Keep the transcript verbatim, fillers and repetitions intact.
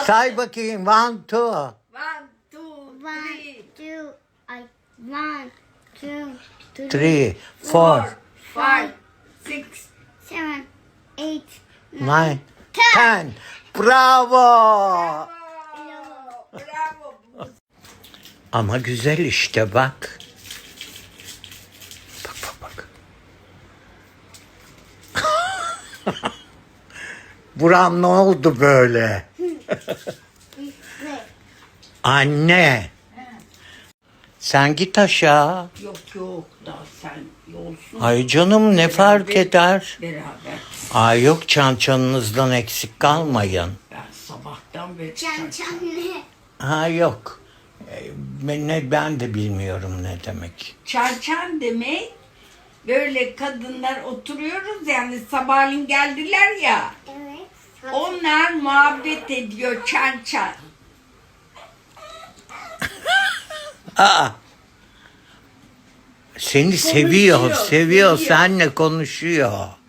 Say bakayım. One, two. One, two, One, three, two, I, one, two, three, Three, four, four, five, six. seven, eight, nine, ten. ten. Bravo. Bravo. Bravo. Ama güzel işte bak. Bak bak bak. Buram ne oldu böyle? Anne. Sen git aşağı. Yok yok daha sen yolsun. Ay canım ne fark eder? Beraber. Ay yok çan çanınızdan eksik kalmayın. Ben sabahtan beri Çan çan ne? Ha yok. Ee, Ben, ne, ben de bilmiyorum ne demek. Çarçan demek böyle kadınlar oturuyoruz yani sabahleyin geldiler ya. Evet. Onlar muhabbet ediyor çan çan. Aa. Seni seviyor, Konuşuyor, seviyor, seviyor. seninle konuşuyor.